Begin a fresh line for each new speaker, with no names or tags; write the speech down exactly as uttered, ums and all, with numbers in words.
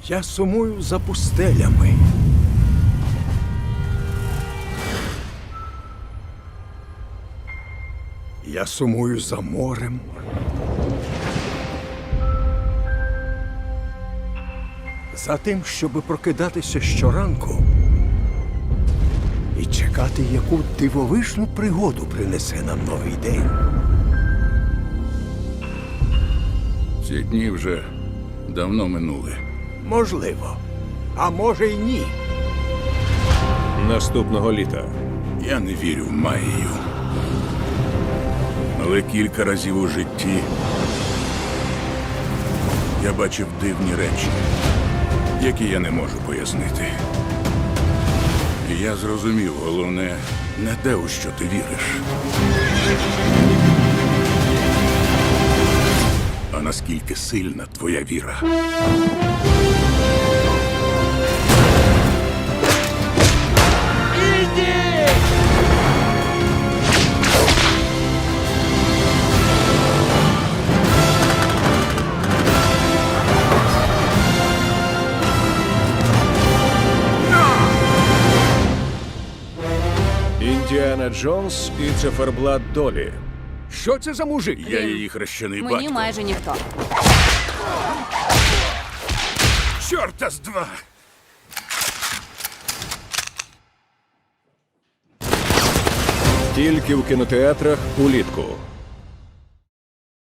Я сумую за пустелями. Я сумую за морем. За тим, щоби прокидатися щоранку і чекати, яку дивовижну пригоду принесе нам новий день.
Ці дні вже давно минули.
Можливо, а може й ні.
Наступного літа.
Я не вірю в магію. Але кілька разів у житті я бачив дивні речі, які я не можу пояснити. І я зрозумів, головне, не те, у що ти віриш, а наскільки сильна твоя віра.
Індіана Джонс і циферблат долі.
Що це за мужик?
Я її хрещений
Мені
батько.
майже ніхто.
Чорта з два!
Тільки в кінотеатрах улітку.